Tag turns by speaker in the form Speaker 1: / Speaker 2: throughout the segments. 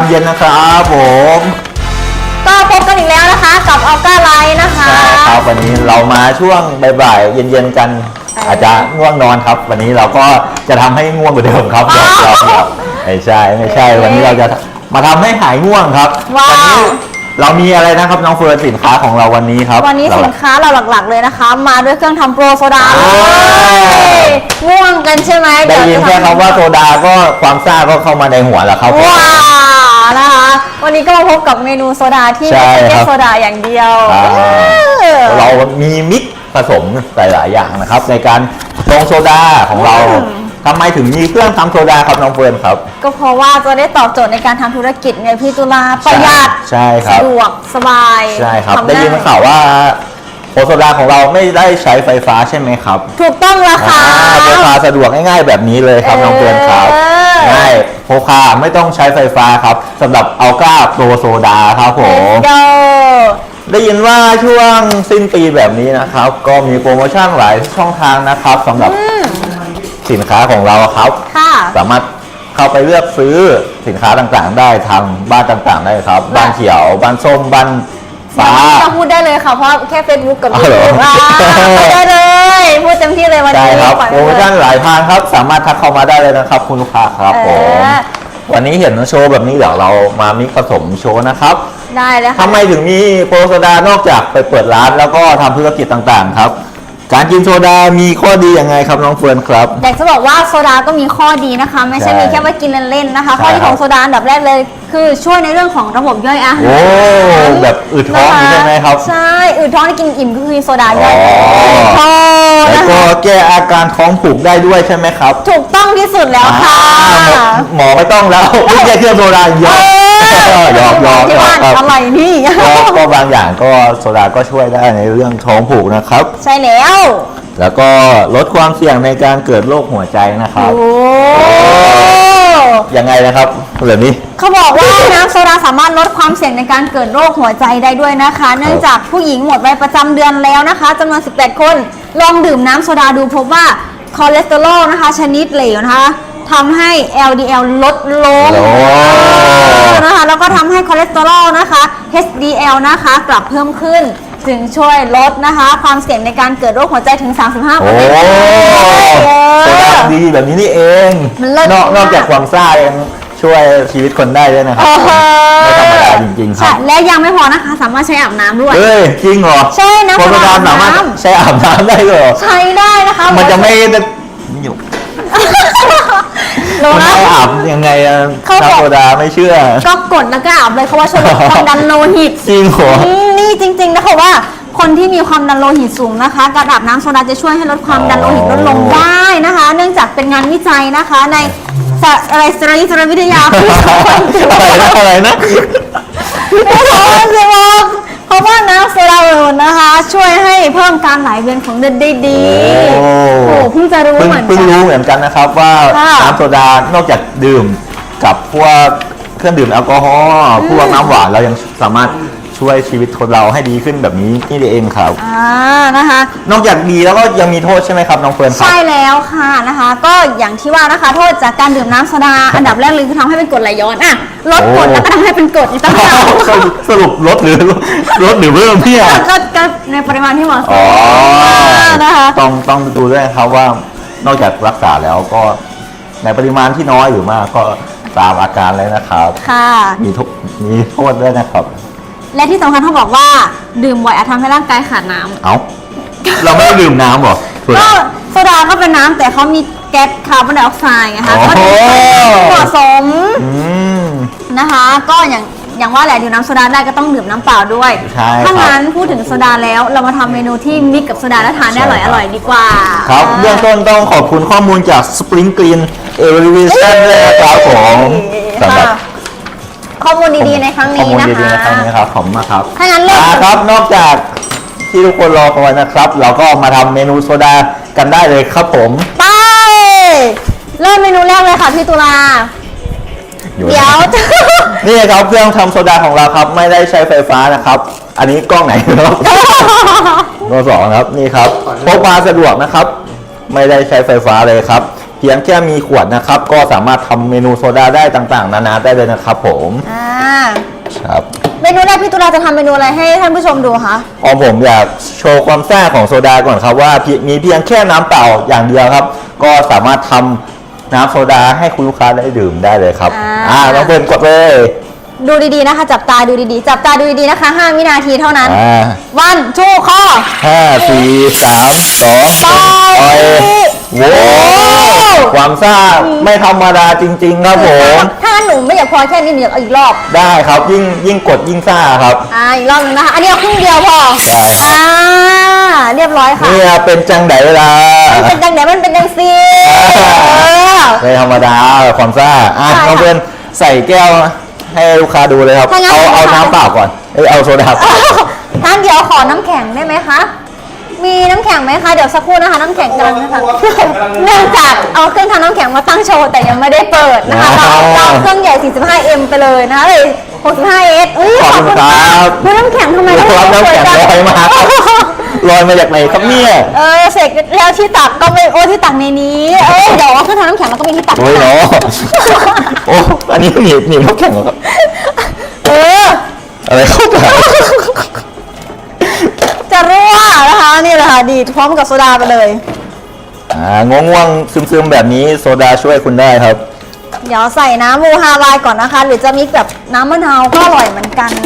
Speaker 1: เย็นนะครับผม
Speaker 2: ก็พบกันอีกแล้วนะคะกับออก้าไลท์นะคะ
Speaker 1: ใช่ครับวันนี้เรามาช่วงบ่ายๆเย็นๆกันอาจจะง่วงนอนครับวันนี้เราก็จะทำให้ง่วงกว่าเดิมครับเราไม่ใช่วันนี้เราจะมาทำให้หายง่วงครับวันนี้เรามีอะไรนะครับน้องเฟิร์นสินค้าของเราวันนี้ครับ
Speaker 2: วันนี้สินค้าเราหลักๆเลยนะคะมาด้วยเครื่องทำโปรโซดาง่วงกันใช่ไหม
Speaker 1: ได้ยินแค่คำว่าโซดาก็ความซ่าก็เข้ามาในหัวแล้วครับ
Speaker 2: ว้านะคะวันนี้ก็มาพบกับเมนูโซดาที่ไม่ใช่แค่โซดาอย่างเดียว
Speaker 1: เรามีมิกผสมหลายๆอย่างนะครับในการชงโซดาของเราทำไมถึงมีเครื่องทำโซดาครับน้องเฟิร์นครับ
Speaker 2: ก็เพราะว่าจะได้ตอบโจทย์ในการทำธุรกิจไงพี่ตุลาประหยัด
Speaker 1: ใช่ครับ
Speaker 2: สะดวกสบาย
Speaker 1: ใช่ครับได้ยินข่าวว่าโซดาของเราไม่ได้ใช้ไฟฟ้าใช่ไหมครับ
Speaker 2: ถูกต้องแล้วค่ะ
Speaker 1: พกพาสะดวกง่ายๆแบบนี้เลยครับน้องเฟิร์นครับง่ายพกพาไม่ต้องใช้ไฟฟ้าครับสำหรับอัลก้าโปรโซดาครับผมได้ยินว่าช่วงสิ้นปีแบบนี้นะครับก็มีโปรโมชั่นหลายช่องทางนะครับสำหรับสินค้าของเราครับสามารถเข้าไปเลือกซื้อสินค้าต่างๆได้ทางบ้านต่างๆได้ครับบ้านเขียวบ้านส้มบ้านฟ้า
Speaker 2: พูดได้เลยค่ะเพราะแค่ Facebook กับ YouTube พูดได้เลยพูดเต็มที่เลยวันนี้
Speaker 1: ครับโปรโมชั่นหลายทางครับสามารถทักเข้ามาได้เลยนะครับคุณลูกค้าครับผมวันนี้เห็นโชว์แบบนี้เดี๋ยวเรามามิกผสมโชว์นะครับ
Speaker 2: ได้เลยค่ะ
Speaker 1: ทำไมถึงมีโปรโซดานอกจากไปเปิดร้านแล้วก็ทำธุรกิจต่างๆครับการกินโซดามีข้อดียังไงครับน้องเฟิร์นครับ
Speaker 2: อยากจะบอกว่าโซดาก็มีข้อดีนะคะไม่ใช่มีแค่ว่ากินเล่นๆนะคะข้อดีของโซดาอันดับแรกเลยคือช่วยในเรื่องของระบบย่อยอาหาร
Speaker 1: โอ้แบบอืดท้องใช่ไหมครับ
Speaker 2: ใช่อืดท้องที่กินอิ่มก็คือโซดาย่อยท้อง
Speaker 1: แล้วก็แก้อาการท้องผูกได้ด้วยใช่ไหมครับ
Speaker 2: ถูกต้องที่สุดแล้วค่ะ
Speaker 1: หมอไม่ต้องแล้วไม่ใช่เครื่องโซดาเยอะ
Speaker 2: ที่บ้านอะไรนี่
Speaker 1: ก็บางอย่างก็โซดาก็ช่วยได้ในเรื่องท้องผูกนะครับ
Speaker 2: ใช่
Speaker 1: แล้วก็ลดความเสี่ยงในการเกิดโรคหัวใจนะครับยังไงนะครับแบบนี้
Speaker 2: เขาบอกว่าน้ำโซดาสามารถลดความเสี่ยงในการเกิดโรคหัวใจได้ด้วยนะคะเนื่องจากผู้หญิงหมดวัยประจำเดือนแล้วนะคะจำนวน18คนลองดื่มน้ำโซดาดูพบว่าคอเลสเตอรอลนะคะชนิดเหลวนะคะทำให้ LDL ลดลงนะคะแล้วก็ทำให้คอเลสเตอรอลนะคะ HDL นะคะกลับเพิ่มขึ้นจึงช่วยลดนะคะความเสี่ยงในการเกิดโรคหัวใจถึง 35%
Speaker 1: โอ้โซดาดีแบบนี้นี่เองนอกจากความซ่ายังช่วยชีวิตคนได้ด้วยนะครับไม่ธรรมดาจริงๆครับ
Speaker 2: และยังไม่พอนะคะสามารถใช้อาบน้ำด้วย
Speaker 1: จริงเหรอ
Speaker 2: ใช่นะ
Speaker 1: โซดาสามารถใช้อาบน้ำได้เหรอ
Speaker 2: ใช้ได้นะคะ
Speaker 1: มันจะไม่อยู่มันอาบยังไงน้ำโซดาไม่เชื่อ
Speaker 2: ก็กดแล้วก็อาบเลยเขาว่าช่วยลดความดันโลหิต
Speaker 1: จริงเหรอ
Speaker 2: นี่จริงๆนะคะว่าคนที่มีความดันโลหิตสูงนะคะการอาบน้ำโซดาจะช่วยให้ลดความดันโลหิตลดลงได้นะคะเนื่องจากเป็นงานวิจัยนะคะในสารวิทยา
Speaker 1: อะไรนะ
Speaker 2: ไม่ใช่สิบอกเพราะว่าน้ำโซดานะคะช่วยให้เพิ่มการไหลเวียนของเลือดได้ดีโอ้เพิ่งจะรู้เหมือนกัน
Speaker 1: เพิ่งรู้เหมือนกันนะครับว่าน้ำโซดานอกจากดื่มกับพวกเครื่องดื่มแอลกอฮอล์พวกน้ำหวานเรายังสามารถช่วยชีวิตคนเราให้ดีขึ้นแบบนี้นี่เองครับ
Speaker 2: นะคะ
Speaker 1: นอกจากดีแล้วก็ยังมีโทษใช่ไหมครับน้องเฟิร์นครับ
Speaker 2: ใช่แล้วค่ะนะคะก็อย่างที่ว่านะคะโทษจากการดื่มน้ำโซดาอันดับแรกเลยคือทำให้เป็นกรดไหลย้อนลดกรดแล้วก็ทำให้เป็นกรดอีกต่างหาก
Speaker 1: สรุปลดหรือเพิ่มพี่
Speaker 2: ก็ในปริมาณที่เหมาะสม
Speaker 1: นะคะต้องดูด้วยครับว่านอกจากรักษาแล้วก็ในปริมาณที่น้อยหรือมากก็ตามอาการเลยนะครับมีโทษด้วยนะครับ
Speaker 2: และที่สำคัญเขาบอกว่าดื่มบ่อยอาจทำให้ร่างกายขาดน้ำ
Speaker 1: เราไม่ได้ดื่มน้ำหรอ
Speaker 2: ก็โซดาก็เป็นน้ำแต่เขามีแก๊สคาร์บอนไดออกไซด์ไงคะก็เหมาะสมนะคะก็อย่างว่าแหละดื่มน้ำโซดาได้ก็ต้องดื่มน้ำเปล่าด้วยถ้างั้นพูดถึงโซดาแล้วเรามาทำเมนูที่มิกกับโซดาแล้วทานได้อร่อยดีกว่า
Speaker 1: ครับเบื้องต้นต้องขอบคุณข้อมูลจาก Spring Green Elevation เลยครับผมสำหรับ
Speaker 2: ข้อมูลดีๆในครั้งนี้นะคะข้อมูล
Speaker 1: ดีๆในครั้งนี้ครับขอบคุณมากครับ
Speaker 2: ถ้างั้นเริ่ม
Speaker 1: ครับนอกจากที่ทุกคนรอคอยนะครับเราก็มาทำเมนูโซดากันได้เลยครับผม
Speaker 2: ไปเริ่มเมนูแรกเลยค่ะพี่ตุลาเดี๋ยว
Speaker 1: นี่ครับเครื่องทำโซดาของเราครับไม่ได้ใช้ไฟฟ้านะครับอันนี้กล้องไหนครับตัว2ครับนี่ครับพกพาสะดวกนะครับไม่ได้ใช้ไฟฟ้าเลยครับเพียงแค่มีขวดนะครับ ก็สามารถทำเมนูโซดาได้ต่างๆ นานาได้เลยนะครับผมครับ
Speaker 2: เมนูแรกพี่ตุลาจะทำเมนูอะไรให้ท่านผู้ชมดูคะ
Speaker 1: ของผมอยากโชว์ความซ่าของโซดาก่อนครับว่ามีเพียงแค่น้ำเปล่าอย่างเดียวครับ ก็สามารถทำน้ำโซดาให้คุณลูกค้าได้ดื่มได้เลยครับน้องเบิร์นกดเลย
Speaker 2: ดูดีๆนะคะ จับตาดูดีๆจับตาดูดีๆนะคะ5 วินาทีเท่านั้นวันชูข้อ
Speaker 1: 5 4 3 2ไปโว้ความซ่าไม่ธรรมดาจริงๆครับผม
Speaker 2: ถ้างั้นหนูไม่อยากพอแค่นี้หนูอยากเอาอีกรอบ
Speaker 1: ได้ครับยิ่งกดยิ่งซ่าครับ
Speaker 2: อีกรอบนึงนะคะอันนี้เอาครึ่งเดียวพอ
Speaker 1: ได้
Speaker 2: เรียบร้อยค่ะ
Speaker 1: นี่เป็นจังไดล่ะ
Speaker 2: มันเป็นจังไดมันเป็นจังซี
Speaker 1: ไม่ธรรมดาความซ่าน้องเพื่อนใส่แก้วให้ลูกค้าดูเลยครับเอาน้ำเปล่าก่อนเอาโซดา
Speaker 2: ท่านเดี๋ยวขอน้ำแข็งได้ไหมคะมีน้ำแข็งไหมคะเดี๋ยวสักครู่นะคะน้ำแข็งกำลังนะคะเนื่องจากเอาเครื่องทำน้ำแข็งมาตั้งโชว์แต่ยังไม่ได้เปิดนะคะเราเครื่องใหญ่ 45M ไปเลยนะเลย 65S
Speaker 1: ขอบคุณครับ
Speaker 2: น้ำแข็งทำไม
Speaker 1: น้ำแข็งลอยมาจากไหนครับเนี่ย
Speaker 2: เสร็จแล้วที่ตักก็ไม่ที่ตักในนี้เดี๋ยวเครื่องทำน้ำแข็งมันก็มีที่ตัก
Speaker 1: โอ้ยเนาะอันนี้หนีบน้ำแข็งครับอะไรเข้าไป
Speaker 2: จะรั่วนะคะนี่แหละค่ะดีดพร้อมกับโซดาไปเลย
Speaker 1: ง่วงซึมๆแบบนี้โซดาช่วยคุณได้ครับ
Speaker 2: เดี๋ยวใส่น้ำมูฮาวายก่อนนะคะหรือจะมิกแบบน้ำมะนาวก็อร่อยเหมือนกัน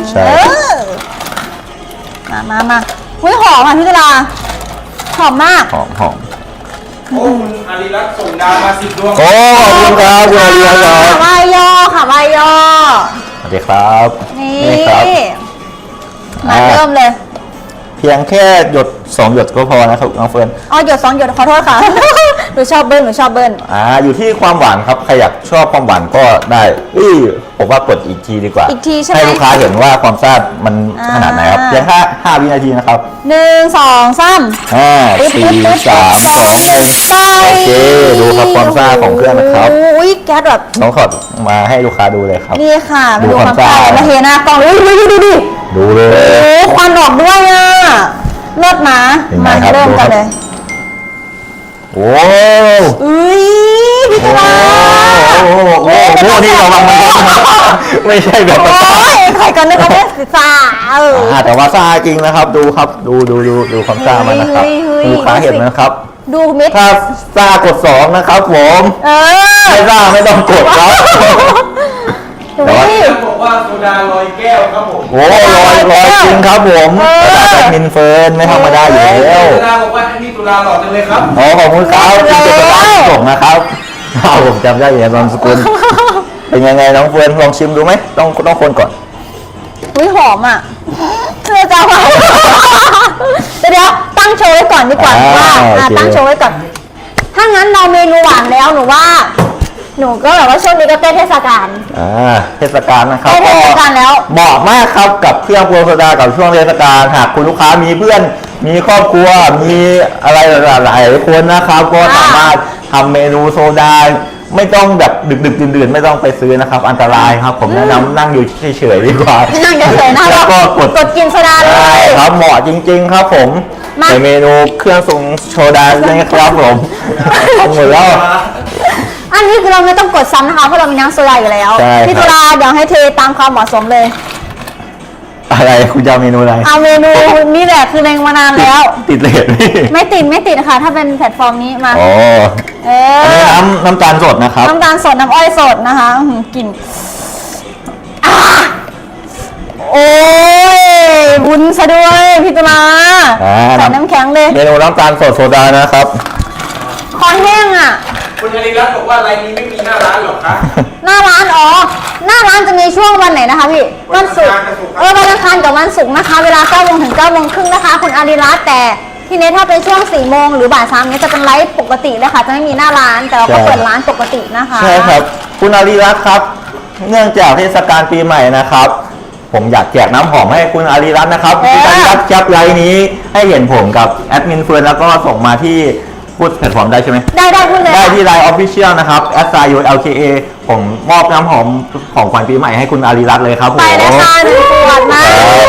Speaker 2: มาหุ้ยหอมค่ะพี่กะลาหอมมาก
Speaker 1: หอม
Speaker 3: โอ้อาริรัตน์ส่งดาวมา10 ดวง
Speaker 1: โอ้ขอบคุณครับคุณอาริรัตน์ครับ
Speaker 2: วายยอค่ะวายยอ
Speaker 1: สวัสดีครับ
Speaker 2: นี่ครับมาเริ่มเลย
Speaker 1: เพียงแค่หยด2 หยดก็พอนะครับน้องเฟิร์น
Speaker 2: หยด2 หยดขอโทษค่ะหนูชอบเบิ้ล
Speaker 1: อยู่ที่ความหวานครับใครอยากชอบความหวานก็ได้ผมว่ากดอีกทีดีกว่า
Speaker 2: อีกทีใช่ไหม
Speaker 1: ให้ลูกค้าเห็นว่าความซ่ามันขนาดไหนครับเพียงแค่5 วินาทีนะครับ
Speaker 2: 1 2 3
Speaker 1: 5 4 3 2 1โอเคดูครับความซ่าของเครื่องนะครับ
Speaker 2: อุ้ยแก๊สแบบ
Speaker 1: น้องขอมาให้ลูกค้าดูเลยครับ
Speaker 2: นี่ค่ะดูความซ่ามาเห็นนะกล่อง
Speaker 1: ดูเลย
Speaker 2: ควันออกด้วยเลิศนะมาเริ่มกันเลย
Speaker 1: โอ้
Speaker 2: พี่ตา
Speaker 1: นี่เราวางมันไม่ใช่แบบ
Speaker 2: ใครกันนะคะเนี่ยซ่า
Speaker 1: แต่ว่าซ่าจริงนะครับดูครับดูความซ่ามันนะครับลูกค้าเห็นนะครับ
Speaker 2: ดูเม็ด
Speaker 1: ถ้าซ่ากด2นะครับผมไม่ซ่าไม่ต้องกดครับ
Speaker 3: แต่ว่าบอกว่าโซดาลอยแก้วครับผม
Speaker 1: ลอยจริงครับผมแต่มินเฟิร์นไม่ธรรมดาอยู่แล้ว
Speaker 3: ตุลาบอกว่าที่ตุลาหล่อจังเลยครับ
Speaker 1: ขอบคุณครับที่เป็นประธานส่งนะครับผมจำได้อย่างนามสกุลเป็นยังไงน้องเฟิร์นลองชิมดูไหมต้องคนก่อน
Speaker 2: อุ้ยหอมเพื่อจะมาเดี๋ยวตั้งโชว์ไว้ก่อนดีกว่าตั้งโชว์ไว้ก่อนถ้างั้นเราเมนูหวานแล้วหนูว่าหนูก็แบบว่าช่วงนี้ก็ใกล้เทศกาล
Speaker 1: เทศกาลนะครับ
Speaker 2: เทศกาลแล้ว
Speaker 1: เหมาะมากครับกับเครื่องโซดากับช่วงเทศกาลหากคุณลูกค้ามีเพื่อนมีครอบครัวมีอะไรหลายคนนะครับก็สามารถทำเมนูโซดาไม่ต้องแบบดึกดื่นไม่ต้องไปซื้อนะครับอันตรายครับผมแนะนำนั่งอยู่เฉยๆดีกว่า
Speaker 2: นั่งเฉยๆนะแล้วก็กดกินโซดาเลย
Speaker 1: ครับเหมาะจริงๆครับผมในเมนูเครื่องทรงโซดานะครับผมหมดแล้ว
Speaker 2: อันนี้คือเราไม่ต้องกดซ้ำนะคะเพราะเรามีน้ำโซดาอยู่แล้วพี่ตุลาเดี๋ยวให้เทตามความเหมาะสมเลย
Speaker 1: อะไรคุณจะเอาเมนูอะไร
Speaker 2: เอาเมนูนี่แหละคือแรงมานานแล้ว
Speaker 1: ติดเลท
Speaker 2: ไม่ติดค่ะถ้าเป็นแพลตฟอร์มนี้มา
Speaker 1: อันนี้น้ำตาลสดนะครับ
Speaker 2: น้ำตาลสดน้ำอ้อยสดนะคะกลิ่นโอ้ยบุญซะด้วยพี่ตุลาใส่น้ำแข็งเลย
Speaker 1: เมนูน้ำตาลสดโซดานะครับ
Speaker 2: คอนแห้ง
Speaker 3: คุณอาริรัตน์บอกว่ารายนี้ไม่มีหน้าร้านหรอคะ
Speaker 2: หน้าร้านหน้าร้านจะมีช่วงวันไหนนะคะพี่วันศุกร์วันอังคารกับวันศุกร์นะคะเวลา 9 โมงถึง 9 โมงครึ่งนะคะคุณอาริรัตน์แต่ทีนี้ถ้าเป็นช่วง 4 โมงหรือบ่าย 3นี้จะเป็นไลฟ์ปกติเลยค่ะจะไม่มีหน้าร้านแต่เราก็เปิดร้านปกตินะคะ
Speaker 1: ใช่ครับคุณอาริรัตน์ครับเนื่องจากเทศกาลปีใหม่นะครับผมอยากแจกน้ำหอมให้คุณอาริรัตน์นะครับคุณอาริรัตน์แคปไลน์นี้ให้เห็นผมกับแอดมินเฟิร์นแล้วก็ส่งมาที่พูดแพลตฟอร์มได้ใช่ไหม
Speaker 2: ได้พูดเลย
Speaker 1: ได้ที่ไลน์ Official นะครับ @LKA ผมมอบน้ำหอมของขวัญปีใหม่ให้คุณอาริรัตน์เลยครับผม
Speaker 2: ไปเลยค่ะ1 ขวดนะ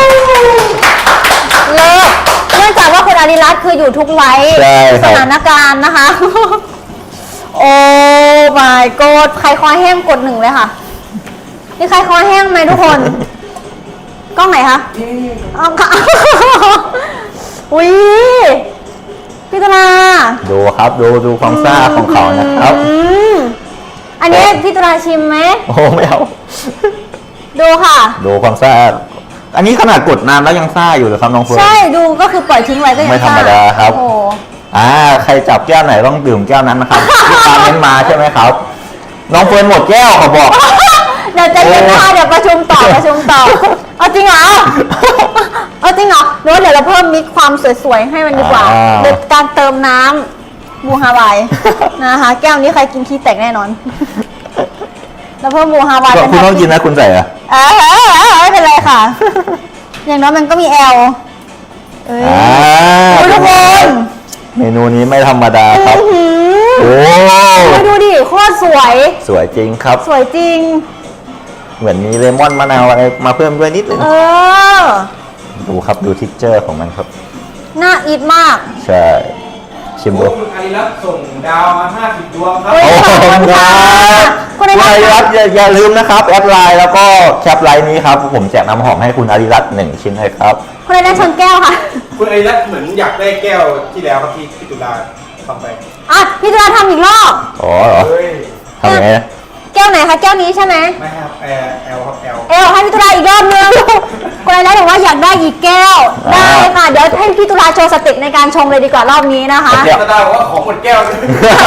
Speaker 2: เลิศเนื่องจากว่าคุณอาริรัตน์คืออยู่ทุกไว้สถานการณ์นะคะโอ้ my god ใครคอแห้งกดหนึ่งเลยค่ะ นี่ใครคอแห้งไหมทุกคน กล้องไหนคะเอาค่ะ อุ้ยพี่ตุลา
Speaker 1: ดูครับดูความซ่าของเขานะครับ
Speaker 2: อันนี้พี่ตุลาชิมไหม
Speaker 1: โอ้ไม่เอา
Speaker 2: ดูค่ะ
Speaker 1: ดูความซ่าอันนี้ขนาดกดนานแล้วยังซ่าอยู่เลยครับน้องเฟิร์น
Speaker 2: ใช่ดูก็คือปล่อยทิ้งไว้ก็ยัง
Speaker 1: ไม่ธรรมดาครับ
Speaker 2: โอ้โห
Speaker 1: ใครจับแก้วไหนต้องดื่มแก้วนั้นนะครับที่ตามเน้นมาใช่ไหมครับ น้องเฟิร์นหมดแก้วเขาบอก
Speaker 2: เดี๋ยวจะเย็นค่ะเดี๋ยวประชุมต่อเอาจริงเหรอเอาจริงเหรอหรือว่าเดี๋ยวเราเพิ่มมิกความสวยๆให้มันดีกว่าโดยการเติมน้ำบูฮาวายนะคะแก้วนี้ใครกินขี้แตกแน่นอนแล้วเพิ่มบูฮาวาย
Speaker 1: คุณต้องกินนะคุณใส่อะ
Speaker 2: ไม่เป็นไรค่ะ อย่างน้อยมันก็มีแอลเอ้ยทุกคน
Speaker 1: เมนูนี้ไม่ธรรมดาครับโอ้
Speaker 2: ดูดิโคตรสวย
Speaker 1: สวยจริงครับ
Speaker 2: สวยจริง
Speaker 1: เหมือนมีเลมอนมะนาวอะไรมาเพิ่มด้วยนิดนึง ดูครับดูทิกเจอร์ของมันครับ
Speaker 2: น่าอิทมาก
Speaker 1: ใช่ชิมดู
Speaker 3: คุณอาริรัตน์ส่งดาวมา50ดวงครับ
Speaker 2: โอ้ย
Speaker 1: ขอบคุณครับ
Speaker 2: คุณอา
Speaker 1: คุณ
Speaker 2: ริ
Speaker 1: อาริ
Speaker 2: รั
Speaker 1: รั
Speaker 2: ต
Speaker 1: ต
Speaker 2: น์
Speaker 1: น์อย่าลืมนะครับแอดไลน์แล้วก็แคปไลน์นี้ครับผมแจกน้ำหอมให้คุณอาริรัตน์1 ชิ้นเลยครับ
Speaker 2: คุณอาริรัตน์ชนแก้วค่ะ
Speaker 3: คุณอาริรัตน์เหมือนอยากได้แก้วที่แล้วครับที่พี่ตุลาทำไป
Speaker 2: อ่ะพี่ตุลาทำอีกรอบ
Speaker 1: อ๋อเหรอ
Speaker 3: เฮ้ย
Speaker 1: ทำยังไงนะ
Speaker 2: แก้วไหนคะแก้วนี้ใช่ไหม
Speaker 3: ไม่ครับแอลครับแอล
Speaker 2: เอลให้พี่ตุลาอีกรอบนึงคุณอาริรัตน์บอกว่าอยากได้อีกแก้ว ได้ค่ะ เดี๋ยวให้พี่ตุลาโชว์สเต็ปในการชงเลยดีกว่ารอบนี้นะคะ
Speaker 3: ตาดาบอกว่าของหมดแก้วเลย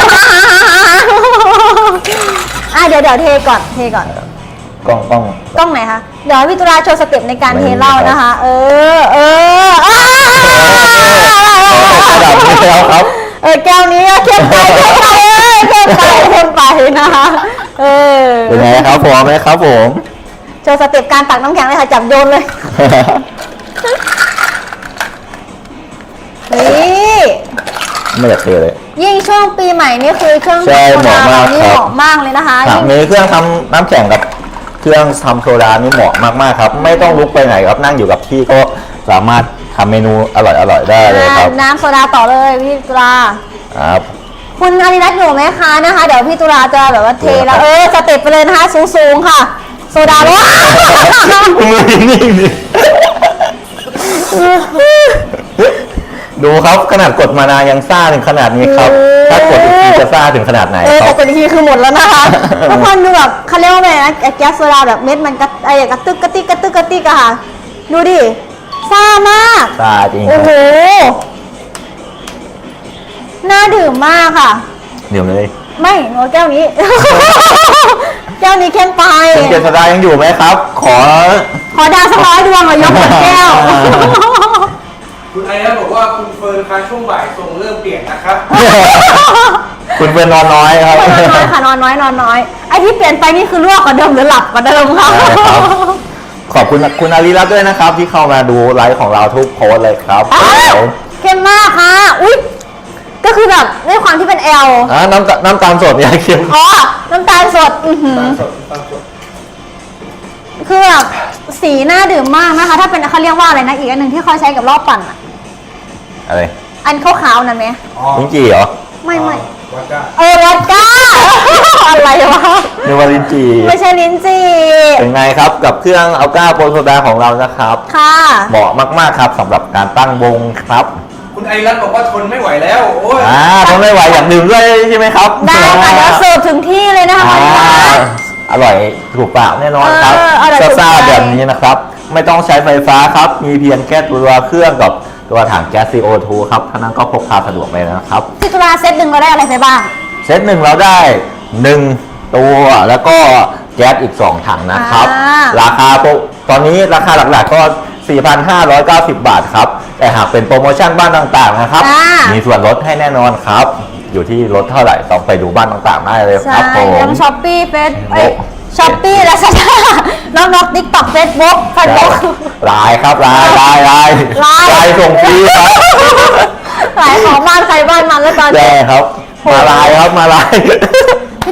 Speaker 2: เดี๋ยวเทก่อน
Speaker 1: กล้อง
Speaker 2: กล้องไหนคะ เดี๋ยวให้พี่ตุลาโชว์สเต็ปในการเทเหล้านะคะ
Speaker 1: ระดับนี้แล้วครับ
Speaker 2: แก้วนี้เข้มไปนะคะ
Speaker 1: เป็นไงครับพอไหมครับผม
Speaker 2: โชว์สเต็ปการตักน้ำแข็งเลยค่ะจับโยนเลยนี่
Speaker 1: ไม่อยากเทเลย
Speaker 2: ยิ่งช่วงปีใหม่นี่คือเครื่อง
Speaker 1: ใช่
Speaker 2: ทำโซดา
Speaker 1: เหมาะมาก
Speaker 2: นี่
Speaker 1: ครับ
Speaker 2: เหมาะมากเลยนะคะ
Speaker 1: ครับมีเครื่องทำน้ำแข็งกับเครื่องทำโซดานี่เหมาะมากๆครับ ไม่ต้องลุกไปไหนครับนั่งอยู่กับที่ก็สามารถทำเมนูอร่อยๆได้เลยครับ
Speaker 2: น้ำโซดาต่อเลยพี่ตุลา
Speaker 1: ครับ
Speaker 2: คุณอาริรัตน์อยู่ไหมคะนะคะ เดี๋ยวพี่ตุลาจะแบบว่าเทแล้ว
Speaker 1: ครับ
Speaker 2: สเต็ปไปเลยนะคะสูงๆค่ะ โซดาว้า
Speaker 1: มือนิ่งๆดิดูครับขนาดกดมานานยังซ่าถึงขนาดนี้ครับ ถ้ากดอีกทีจะซ่าถึงขนาดไหนค
Speaker 2: แต่
Speaker 1: รับ
Speaker 2: กดอีกทีคือหมดแล้วนะคะทุกคนดูแบบเขาเรียกว่าไงนะแก๊สโซดาแบบเม็ดมันกระตึกกระติกอะค่ะ ดูดิซ่ามาก
Speaker 1: ซ่าจริงค
Speaker 2: โอ้
Speaker 1: รับ
Speaker 2: โหน่าดื่มมากค่ะ
Speaker 1: เดี๋ยวเลย
Speaker 2: ไม่หนูแก้วนี้ แก้วนี้เข้มไป
Speaker 1: คุณเจษดายังอยู่ไหมครับ ขอ
Speaker 2: ขอดาวสัก100 ดวงเหรอยกหมดแก้ว
Speaker 3: คุณอาริรัตน์บอกว่าคุณเฟิร์นคะช่วงบ่ายทรงเริ่มเปลี่ยนนะครับ
Speaker 1: คุณเป็นนอนน้อยครับ
Speaker 2: นอนน้อยค่ะนอนน้อยไอที่เปลี่ยนไปนี่คือลวกกว่าเดิมหรือหลับกว่าเดิมค่ะ
Speaker 1: ใช่ครับ ขอบคุณคุณอาริรัตน์ด้วยนะครับ ที่เข้ามาดูไลฟ์ของเราทุกโพสต์เลยครับ
Speaker 2: อ้าวเข้มมากค่ะอุ๊ยก็คือแบบด้วยความที่เป็นแอล
Speaker 1: น้ำตาลสดเนี่ยเค็ม
Speaker 2: อ๋อน้ำตาลสดอื้อหือ
Speaker 3: ตามสด
Speaker 2: คือแบบสีน่าดื่มมากนะคะ ถ้าเป็นเขาเรียกว่าอะไรนะอีกอันหนึ่งที่เขาใช้กับรอบปั่นอะ
Speaker 1: อะไร
Speaker 2: อันขาวๆนั่นไหม
Speaker 3: อ๋อ
Speaker 1: ลิ้นจี่เหรอ
Speaker 2: ไม่
Speaker 3: วัดก้า
Speaker 2: วอดก้า อะไรวะ
Speaker 1: เนวาลินจี่
Speaker 2: ไม่ใช่ลิ้นจี่
Speaker 1: เป็นไงครับกับเครื่องอัลก้าโปรโซดาของเรานะครับ
Speaker 2: ค่ะ
Speaker 1: เหมาะมากๆครับสำหรับการตั้งวงครับ
Speaker 3: คุณอาริรัตน์บอกว่าทนไม่ไหวแล้ว โอ้ย
Speaker 1: ทนไม่ไหวอยากดื่มด้วยใช่ไหมครับ
Speaker 2: ได้ค่ะเดี๋ยวเสิร์ฟถึงที่เลยนะคะ
Speaker 1: อร่อยถูกปากแน่นอนครับ
Speaker 2: อร่อยถูกใจ
Speaker 1: ซ่าๆแบบนี้นะครับ ไม่ต้องใช้ไฟฟ้าครับ มีเพียงแค่ตัวเครื่องกับตัวถังแก๊ส CO2 ครับเท่านั้นก็พกพาสะดวกเลยนะครับ
Speaker 2: ที่ตุลาเซตหนึ่งเราได้อะไรไปบ้าง
Speaker 1: เซตหนึ่งเราได้ 1 ตัวแล้วก็แก๊สอีก 2 ถังนะครับ ราคาตอนนี้ราคาหลักๆก็ 4,590 บาทครับ แต่หากเป็นโปรโมชั่นบ้านต่างๆนะครับ มีส่วนลดให้แน่นอนครับ อยู่ที่ลดเท่าไหร่ต้องไปดูบ้านต่างๆได้เลยค
Speaker 2: ใช่
Speaker 1: รับผม
Speaker 2: ทั้งช้อปปี้เฟซช้อปปี้และซาด้าน้องติ๊กต็อกเฟซบุ๊กเฟซบุ๊ก
Speaker 1: ลายครับลายส่งฟรีครับ
Speaker 2: หลายของบ้านใครบ้านมันแล้วตอน
Speaker 1: แย่
Speaker 2: นี้
Speaker 1: ครับ มาลายครับมาลาย
Speaker 2: พี่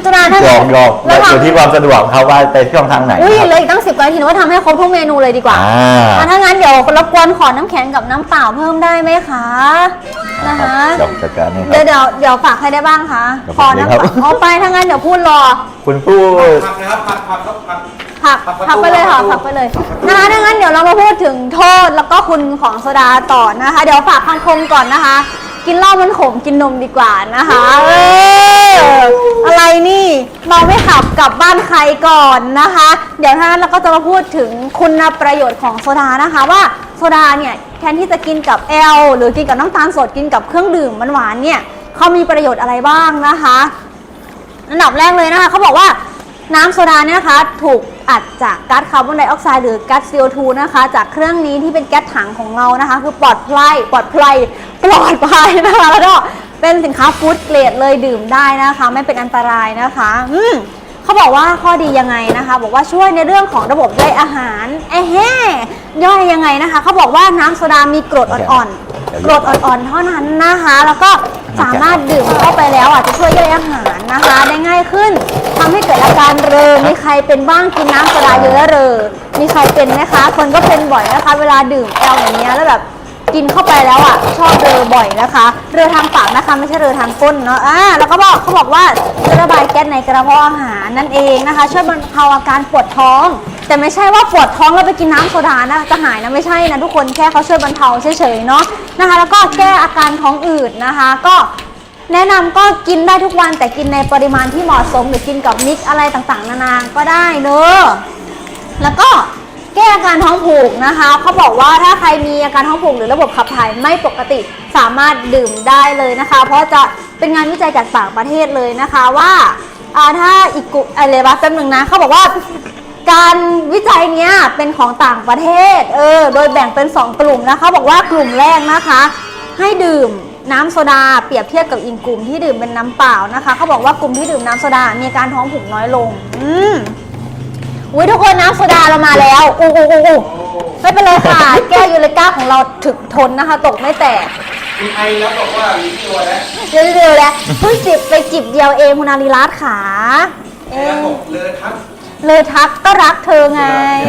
Speaker 2: ตุลาถ้า
Speaker 1: หยอก
Speaker 2: เรา
Speaker 1: อยู่ที่ความสะดวกครับว่าไปช่องทางไหน
Speaker 2: อุ้ย
Speaker 1: ครับ
Speaker 2: เหลยอีกตั้ง10 กว่านาทีว่าทำให้ครบทุกเมนูเลยดีกว่า ถ้างั้นเดี๋ยวรบกวนขอน้ำแข็งกับน้ำเปล่าเพิ่มได้ไหมคะนะคะ
Speaker 1: เดี๋ยวจัดการนี่ครั
Speaker 2: เดี๋ยวฝากใครได้บ้างคะ
Speaker 1: เดี๋ยว
Speaker 2: ขอ
Speaker 1: ผมเลย
Speaker 2: น้ำ
Speaker 1: ครับ
Speaker 2: เอาไปถ้างั้นเดี๋ยวพูดรอ
Speaker 1: คุณพูด
Speaker 3: ผักนะครับผักครับผัก
Speaker 2: ผักไปเลยค่ะผักไปเลยนะคะถ้างั้นเดี๋ยวเรามาพูดถึงโทษแล้วก็คุณของโซดาต่อนะคะ เดี๋ยวฝากคำคมก่อนนะคะ กินเหล้ามันขมกินนมดีกว่านะคะอะไรนี่เมาไม่ขับกลับบ้านใครก่อนนะคะ เดี๋ยวถ้างั้นเราก็จะมาพูดถึงคุณประโยชน์ของโซดานะคะว่าโซดาเนี่ยแทนที่จะกินกับแอลหรือกินกับน้ำตาลสดกินกับเครื่องดื่มหวานๆเนี่ยเขามีประโยชน์อะไรบ้างนะคะอันดับแรกเลยนะคะเขาบอกว่าน้ำโซดาเนี่ยนะคะถูกอัดจากก๊าซคาร์บอนไดออกไซด์หรือก๊าซ CO2 นะคะจากเครื่องนี้ที่เป็นแก๊สถังของเรานะคะคือปลอดภัยนะคะแล้วก็เป็นสินค้าฟู้ดเกรดเลยดื่มได้นะคะไม่เป็นอันตรายนะคะเขาบอกว่าข้อดียังไงนะคะบอกว่าช่วยในเรื่องของระบบย่อยอาหารย่อยยังไงนะคะเขาบอกว่าน้ำโซดามีกรดอ่อนๆเท่านั้นนะคะแล้วก็สามารถดื่มเข้าไปแล้วจะช่วยย่อยอาหารนะคะได้ง่ายขึ้นทำให้เกิดอาการเรอมีใครเป็นบ้างกินน้ำโซดาเยอะเรอมีใครเป็นไหมคะคนก็เป็นบ่อยนะคะเวลาดื่มแอลอย่างเงี้ยแล้วแบบกินเข้าไปแล้วชอบเรอบ่อยนะคะเรอทางปากนะคะไม่ใช่เรอทางก้นเนาะแล้วก็เขาบอกว่าจะระบายแก๊สในกระเพาะอาหารนั่นเองนะคะช่วยบรรเทาอาการปวดท้องแต่ไม่ใช่ว่าปวดท้องแล้วไปกินน้ำโซดานะจะหายนะไม่ใช่นะทุกคนแค่เขาช่วยบรรเทาเฉยๆเนาะนะคะแล้วก็แก้อาการท้องอืดนะคะก็แนะนำก็กินได้ทุกวันแต่กินในปริมาณที่เหมาะสมหรือกินกับมิกซ์อะไรต่างๆนานาก็ได้เนอะแล้วก็แก้อาการท้องผูกนะคะเขาบอกว่าถ้าใครมีอาการท้องผูกหรือระบบขับถ่ายไม่ปกติสามารถดื่มได้เลยนะคะเพราะจะเป็นงานวิจัยจากต่างประเทศเลยนะคะว่าถ้าอีกอะไรบ้างจำหนึ่งนะเขาบอกว่าการวิจัยเนี้ยเป็นของต่างประเทศโดยแบ่งเป็น2 กลุ่มนะคะบอกว่ากลุ่มแรกนะคะให้ดื่มน้ำโซดาเปรียบเทียบกับอีกกลุ่มที่ดื่มเป็นน้ำเปล่านะคะเขาบอกว่ากลุ่มที่ดื่มน้ำโซดามีการท้องผูกน้อยลงอุ้ยทุกคนน้ำโซดาเรามาแล้วไม่เป็นไรค่ะ แก้ยูเรกาของเราถึกทนนะคะ ตกไม่แตก
Speaker 3: มีไอแล้วบอกว่าลิ้นตัวแล้ว
Speaker 2: เร็วๆแล้วเพิ่งจิบไปจิบเดียวเองคุณอารีรัตน์ขา
Speaker 3: แล้วบอกเลยครับ
Speaker 2: เลยทักก็รักเธอไง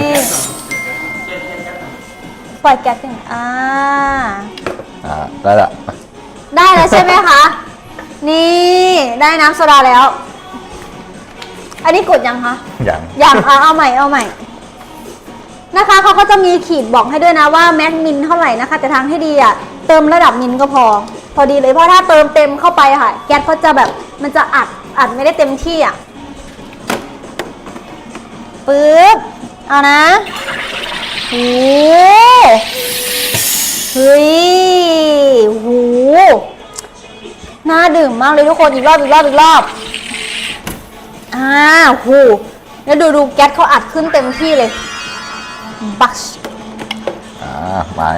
Speaker 2: ปล่อยแก๊สกัน
Speaker 1: ได้ละ
Speaker 2: ได้แล้วใช่ไหมคะนี่ได้น้ำโซดาแล้วอันนี้กดยังคะยังเอาใหม่นะคะเขาก็จะมีขีดบอกให้ด้วยนะว่าแม็กมินเท่าไหร่นะคะแต่ทางที่ดีเติมระดับมินก็พอดีเลยเพราะถ้าเติมเต็มเข้าไปค่ะแก๊สเขาจะแบบมันจะอัดไม่ได้เต็มที่ปึ๊บเอานะโอ้เฮ้ยโหน่าดื่มมากเลยทุกคนอีกรอบโหแล้วดูแก๊สเขาอัดขึ้นเต็มที่เลยบัช
Speaker 1: มา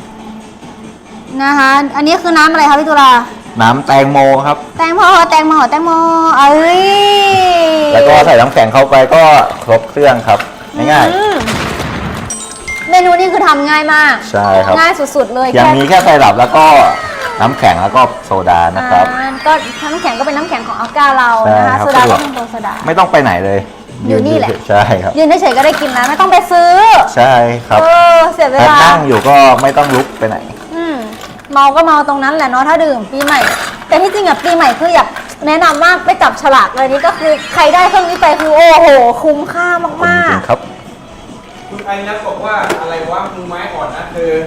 Speaker 2: นะคะอันนี้คือน้ำอะไรคะพี่ตุลา
Speaker 1: น้ำแตงโมครับ
Speaker 2: แตงโมเอ้ย
Speaker 1: แล้วก็ใส่น้ำแข็งเข้าไปก็ครบเครื่องครับง่าย
Speaker 2: เมนูนี้คือทำง่ายมาก
Speaker 1: ใช่ครับ
Speaker 2: ง่ายสุดๆเลย
Speaker 1: อย่างนี้แค่ไซรัปแล้วก็น้ำแข็งแล้วก็โซดานะครับ
Speaker 2: ก็น้ำแข็งก็เป็นน้ำแข็งของอัลก้าเรานะคะโซดาก็เป็นโซดา
Speaker 1: ไม่ต้องไปไหนเลย
Speaker 2: อยู่นี่แหละ
Speaker 1: ใช่ครับ
Speaker 2: ยืนเฉยๆก็ได้กินแล้วไม่ต้องไปซื้อ
Speaker 1: ใช่ครับ
Speaker 2: เสียเวลา
Speaker 1: นั่งอยู่ก็ไม่ต้องลุกไปไหน
Speaker 2: เมาก็เมาตรงนั้นแหละเนาะถ้าดื่มปีใหม่แต่ที่จริงปีใหม่คืออยากแนะนำมากไปจับฉลากเลยนี่ก็คือใครได้เครื่องนี้ไปคือโอ้โหคุ้มค่ามาก
Speaker 1: ๆครับ
Speaker 3: คุณไอนัทบอกว่าอะไรวะมือไม้อ่อนนะเธอ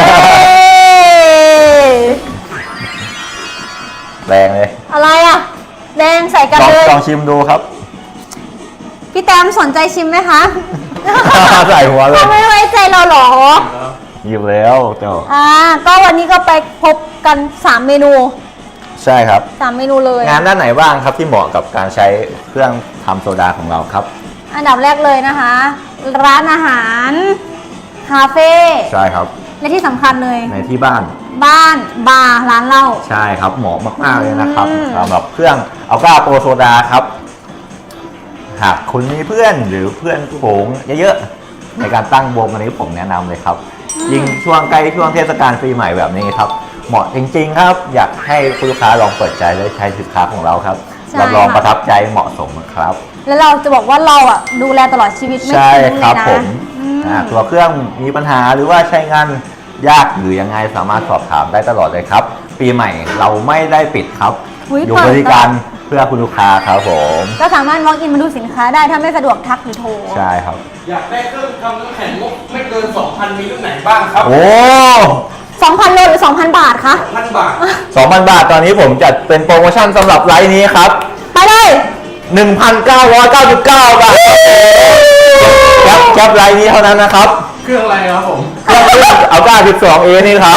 Speaker 1: แดงเลย
Speaker 2: อะไรแดงใส่กันเลย
Speaker 1: ลองชิมดูครับ
Speaker 2: พี่แต้มสนใจชิมไหมคะ
Speaker 1: ใส่หัวเลย
Speaker 2: ไม่ไว้ใจเราหรอ
Speaker 1: หยิบแล้วเจ้า
Speaker 2: ก็วันนี้ก็ไปพบกัน3 เมนู
Speaker 1: ใช่ครับ
Speaker 2: 3 เมนูเลย
Speaker 1: งานด้านไหนบ้างครับที่เหมาะกับการใช้เครื่องทำโซดาของเราครับ
Speaker 2: อันดับแรกเลยนะคะร้านอาหารคาเฟ่
Speaker 1: ใช่ครับ
Speaker 2: และที่สำคัญเลย
Speaker 1: ในที่บ้าน
Speaker 2: บาร์ร้านเหล้า
Speaker 1: ใช่ครับเหมาะมากๆเลยนะครับสำหรับเครื่องอัลก้าโปรโซดาครับหากคุณมีเพื่อนหรือเพื่อนฝูงเยอะๆในการตั้งวงอันนี้ผมแนะนำเลยครับยิ่งช่วงใกล้ช่วงเทศกาลปีใหม่แบบนี้ครับเหมาะจริงๆครับอยากให้ลูกค้าลองเปิดใจและใช้สินค้าของเราครับ
Speaker 2: ใช่
Speaker 1: รับรอง
Speaker 2: ค่ะ
Speaker 1: ประทับใจเหมาะสมนะครับ
Speaker 2: แล้วเราจะบอกว่าเราอ่ะดูแลตลอดชีวิตไม่
Speaker 1: ใช่
Speaker 2: ทิ้ง
Speaker 1: ค
Speaker 2: เล
Speaker 1: รั
Speaker 2: ย
Speaker 1: บ
Speaker 2: นะ
Speaker 1: ผม
Speaker 2: อืม
Speaker 1: ตัวเครื่องมีปัญหาหรือว่าใช้งานยากหรือยังไงสามารถสอบถามได้ตลอดเลยครับ ปีใหม่เราไม่ได้ปิดครับ
Speaker 2: อุ๊ย
Speaker 1: อยู่
Speaker 2: เปิด
Speaker 1: บริการเพื่อคุณลูกค้าครับผม
Speaker 2: ก็สามารถ walk in มาดูสินค้าได้ถ้าไม่สะดวกทักหรือโทร
Speaker 1: ใช่ครับ
Speaker 3: อยากได้เครื่องทำน้ำแข็งงบไม่เกิน 2,000 มีรุ่นไหนบ้างครับ
Speaker 1: โอ้
Speaker 2: 2,000 โลหรือ 2,000 บาทคะ
Speaker 3: 1,000 บาท
Speaker 1: 2,000 บาทตอนนี้ผมจัดเป็นโปรโมชั่นสำหรับไลฟ์นี้ครับ
Speaker 2: ไปเลย
Speaker 1: 1,999 บาทแคปไลน์นี้เท่านั้นนะครับ
Speaker 3: เครื่องอะไรครับผม
Speaker 1: เครื่องเอาก้า 12A นี่ครับ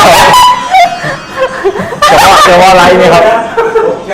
Speaker 1: เฉพาะไลน์นี่ครับ
Speaker 3: ตกใจ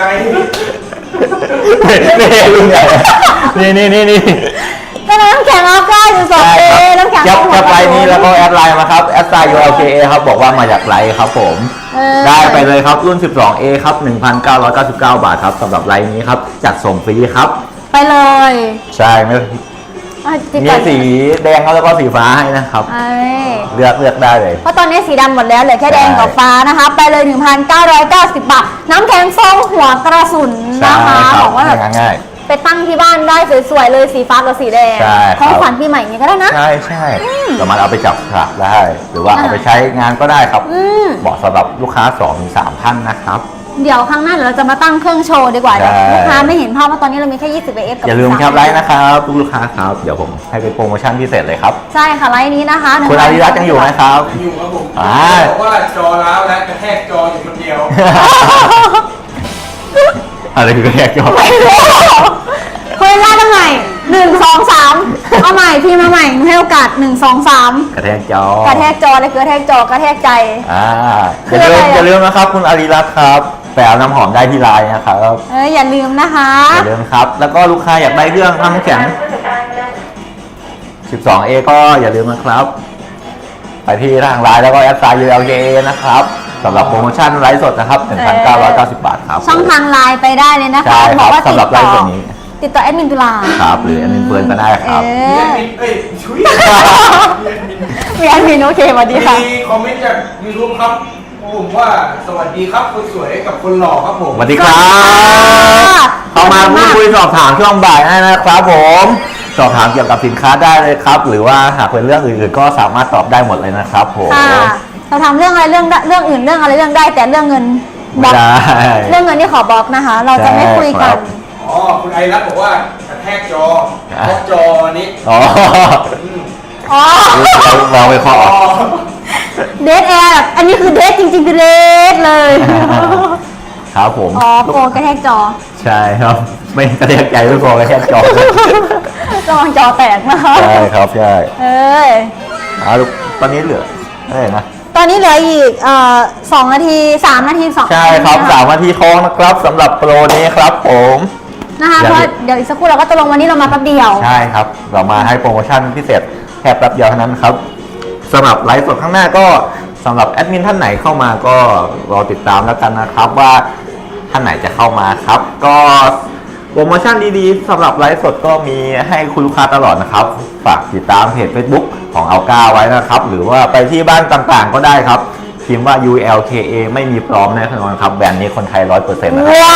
Speaker 1: นี่รุ่นใหญ่นี่
Speaker 2: ก็น้ำแข็งอัลก้าอยู่สองเอน้ำแข็ง
Speaker 1: แคปไลน์นี้แล้วก็แอดไลน์มาครับแอดไซน์ ULKA ครับบอกว่ามาจากไลน์ครับผม ได้ไปเลยครับรุ่น 12A ครับ 1,999 บาทครับสำหรับไลน์นี้ครับจัดส่งฟรีครับ
Speaker 2: ไปเลย
Speaker 1: ใช่ไม่
Speaker 2: จิบ
Speaker 1: มี
Speaker 2: ก่อน
Speaker 1: สีแดงแล้วก็สีฟ้าให้นะครับ
Speaker 2: เอ้ย
Speaker 1: เลือกได้เลย
Speaker 2: เพราะตอนนี้สีดำหมดแล้วเหลือแค่แดงกับฟ้านะคะ ไปเลย 1,990 บาท น้ำแข็งฟองหัวกระสุน
Speaker 1: ใช่
Speaker 2: นะคะ
Speaker 1: ครับ
Speaker 2: บอกว่าแบบ
Speaker 1: ง่าย
Speaker 2: ไปตั้งที่บ้านได้สวยๆเลยสีฟ้ากับสีแดง
Speaker 1: ใช่ครับ
Speaker 2: ของขวัญปีใหม่นี้ก็ได้นะ
Speaker 1: ใช่สามารถเอาไปจับฉลากได้ หรือว่าเอาไปใช้งานก็ได้ครับ
Speaker 2: อืม
Speaker 1: เหมาะสำหรับลูกค้า 2-3 ท่านนะครับ
Speaker 2: เดี๋ยวครั้งหน้าเดี๋ยวเราจะมาตั้งเครื่องโชว์ดีกว่า
Speaker 1: ใช่
Speaker 2: เดี๋ยวลูกค้าไม่เห็นภาพว่าตอนนี้เรามีแค่ 20 AF กับ
Speaker 1: อย่าลืม
Speaker 2: 13
Speaker 1: แคปไลน์นะครับลูกค้าครับ เดี๋ยวผมให้เป็นโปรโมชั่นพิเศษเลยครับ
Speaker 2: ใช่ค่ะไลน์นี้นะคะ
Speaker 1: คุณอาริรัตน์ยังอยู่ไหมครับ
Speaker 3: อยู่ครับผม
Speaker 1: อ่า
Speaker 3: บอกว่าจอร้าวและกระแทกจออยู่คนเดียว
Speaker 1: อะไรคือแยกยอด
Speaker 2: ไม่รู้คุยไล่ทำไม1 2 3 เอาใหม่พี่มาใหม่หนูให้โอกาส 1 2 3
Speaker 1: กระแทกจอ
Speaker 2: กระแทกจอเลยคือกระแทกจอกระแทกใจ
Speaker 1: อย่าลืม
Speaker 2: คืออะไรอ่ะ
Speaker 1: อย่าลืมนะครับ คุณอาริรัตน์ครับไปเอาน้ำหอมได้ที่ไลน์นะครับ
Speaker 2: อย่าลืมนะคะ
Speaker 1: อย่าลืมครับ แล้วก็ลูกค้าอยากได้เครื่องทำน้ำแข็ง 12A ก็อย่าลืมนะครับ ไปที่ทางไลน์แล้วก็แอดไซน์ ULKA นะครับสำหรับโปรโมชั่นไลฟ์สดนะครับ 1,990 บาทครับ
Speaker 2: ช่องทางไลน์ไปได้เลยนะคะ
Speaker 1: ใช่ครับ
Speaker 2: บอกว่า
Speaker 1: สำหรับไลฟ์สดนี้
Speaker 2: ติดต่อแอดมินตุลา
Speaker 1: ครับ หรือแอดมินเฟิร์นก็ได้ครับ
Speaker 2: เอ
Speaker 3: เรีย
Speaker 2: อน
Speaker 3: มินชุย
Speaker 2: มีแอดมินโอเคสวัสดีค่ะ
Speaker 3: มีคอมเมนต์จาก YouTube ครับผมว่าสวัสดีครับคนสวยกับคนหล่อครับผม
Speaker 1: สวัสดีครับเข้ามาพูดคุยสอบถามช่วงบ่ายได้นะครับผม สอบถามเกี่ยวกับสินค้าได้เลยครับ หรือว่าหากเป็นเรื่องอื่นๆก็สามารถตอบได้หมดเลยนะครับผม
Speaker 2: ค่ะเราทำเรื่องอะไรเรื่องอื่นเรื่องอะไรเรื่องได้แต่เรื่องเงินบ
Speaker 1: ไม่
Speaker 2: ล็อก
Speaker 1: ได้
Speaker 2: เรื่องเงินนี่ขอบล็อกนะคะ เราจะไม่คุย
Speaker 1: ใช่ค
Speaker 2: กั
Speaker 1: รั
Speaker 2: น
Speaker 1: บ
Speaker 3: อ๋อคุณไอรัตน์บอกว่ากระแทกจอบล็อกจอนี้
Speaker 1: อ๋อ
Speaker 3: อืม
Speaker 2: อ๋อ
Speaker 1: เราไปขอ
Speaker 3: อ๋อ
Speaker 2: เดทแอร์อันนี้คือเดทจริงๆคือเดทเลย
Speaker 1: ครับผม
Speaker 2: อ๋อโปรกระแทกจอ
Speaker 1: ใช่ครับ ไม่กระแทกใจไม่พอกระแทกจอ
Speaker 2: ระวังจอแตกนะคะ
Speaker 1: ใช่ครับใช่
Speaker 2: เอ้ย
Speaker 1: ลูกตอนนี้เหลืออะไรนะ
Speaker 2: ตอนนี้เหลืออีก2 นาที 3 นาที2
Speaker 1: ใช่ครับ
Speaker 2: นาที
Speaker 1: 3 นาทีทองนะครับสำหรับโปรนี้ครับผม
Speaker 2: นะคะเพราะเดี๋ยวอีกสักครู่เราก็จะลงวันนี้เรามาแป๊บเดียว
Speaker 1: ใช่ครับ เรามาให้โปรโมชั่นพิเศษแค่แป๊บเดียวเท่านั้นครับสำหรับไลฟ์สดข้างหน้าก็สำหรับแอดมินท่านไหนเข้ามาก็รอติดตามแล้วกันนะครับว่าท่านไหนจะเข้ามาครับ ก็โปรโมชั่นดีๆสำหรับไลฟ์สดก็มีให้คุณลูกค้าตลอดนะครับฝากติดตามเพจ Facebook ของอัลกาไว้นะครับ หรือว่าไปที่บ้านต่างๆก็ได้ครับพิมพ์ว่า ULKA ไม่มีปลอมแน่นอนครับแบรนด์นี้คนไทย 100% นะครับ
Speaker 2: ว้าว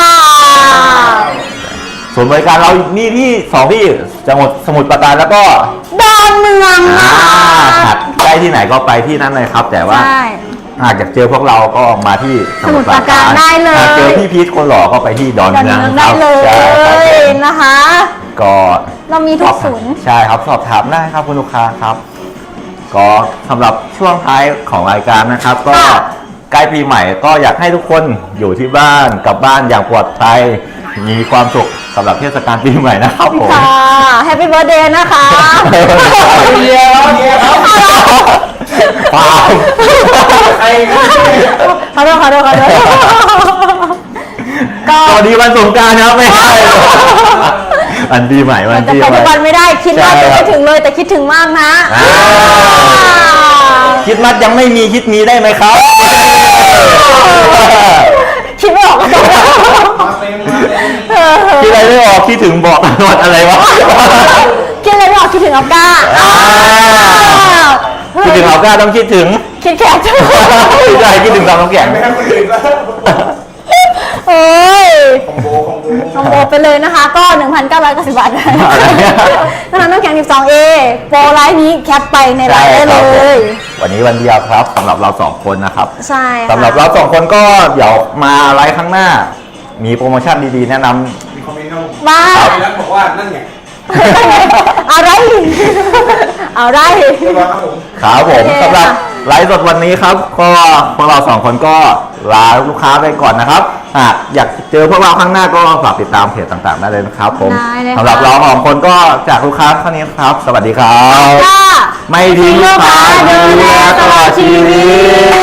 Speaker 1: ส่วนบริการเรานี่ที่2ที่จังหวัดสมุทรปราการแล้วก็
Speaker 2: ดอนเมืองนะ
Speaker 1: หากใกล้ที่ไหนก็ไปที่นั่นเลยครับ แต่ว่า
Speaker 2: ใช่
Speaker 1: หากอยากเจอพวกเราก็มาที่
Speaker 2: สมุทรปราการได้เลย
Speaker 1: หากเจอพี่พีทคนหล่อก็ไปที่ดอน
Speaker 2: ดอน
Speaker 1: เมือง
Speaker 2: เมือง
Speaker 1: ค
Speaker 2: ได้
Speaker 1: รับ
Speaker 2: เล
Speaker 1: ใช่ครับ
Speaker 2: ย
Speaker 1: ผม
Speaker 2: นะคะ
Speaker 1: ก็
Speaker 2: เรามีทุกศูนย์
Speaker 1: ใช่ครับสอบถามได้ครับคุณลูกค้าครับ ก็สำหรับช่วงท้ายของรายการนะครับ ก็ใกล้ปีใหม่ก็อยากให้ทุกคนอยู่ที่บ้านกลับบ้านอย่างปลอดภัยมีความสุขสำหรับเทศกาลปีใหม่นะครับผม
Speaker 2: ค่ะแฮปปี้เบิร์ดเดย์นะคะ
Speaker 3: เดียวเดียวครับ
Speaker 1: เปล่า
Speaker 3: ใครก็
Speaker 2: ขอโทษขอโทษขอโทษก็
Speaker 1: สวัสดีวันสงกรานต์ครับไม่ใช่วันปีใหม่วัน
Speaker 2: จะ
Speaker 1: ปี
Speaker 2: ไป
Speaker 1: ให
Speaker 2: ทุ
Speaker 1: ม่
Speaker 2: กวันไม่ได้คิดว่าจะไม่ถึงเลยแต่คิดถึงมากนะ
Speaker 1: อ่า คิดมัดยังไม่มีคิดมีได้ไหมครับ
Speaker 2: คิดไม่ออกก็จะ
Speaker 3: มาเต็มมาเต็ม
Speaker 1: คิดอะไรไม่ออกคิดถึงบอกตลอดอะไรวะ
Speaker 2: คิดอะไรไม่ออกคิดถึงอัลก้า
Speaker 1: คิดถึงเอาก้าต้องคิดถึง
Speaker 2: คิดแค่จะ
Speaker 1: ไม่ใช่คิดถึงตามน้ำแข็ง
Speaker 3: ไม่ให้คนอื่นแล้ว
Speaker 2: เอ้ย
Speaker 3: คอมโบคอมโบ
Speaker 2: คอมโบไปเลยนะคะ ก็ 1,990 บาทได้ตอนนั้นน้ำแข็ง 12A โปรไลน์นี้แคปไปในไลน์ได้เลย
Speaker 1: วันนี้วันเดียวครับสำหรับเราสองคนนะครับ
Speaker 2: ใช่ค่ะ
Speaker 1: สำหรับเราสองคนก็เดี๋ยวมาไลฟ์ข้างหน้า มีโปรโมชั่นดีๆ แนะน
Speaker 3: มีคอมเมนต์ครับผม
Speaker 2: มา
Speaker 3: แล้วบอกว่านั่นไง
Speaker 2: อะไรอะไร
Speaker 3: เรียบร้อยครับผม
Speaker 1: ำครับผม
Speaker 2: โอเค
Speaker 1: สำหรับ
Speaker 2: ค่ะ
Speaker 1: ไลฟ์สดวันนี้ครับก็พวกเราสองคนก็ลาลูกค้าไปก่อนนะครับหากอยากเจอพวกเราข้างหน้าก็ฝากติดตามเพจต่างๆได้เลยนะครับผม
Speaker 2: ได้เลยค่ะ
Speaker 1: สำหรับเราสองคนก็จากลูกค้าเท่านี้ครับ สวัสดีครับ
Speaker 2: ค่ะ
Speaker 1: ไม่ทิ้งลูกค้าดูแลตลอดชีวิต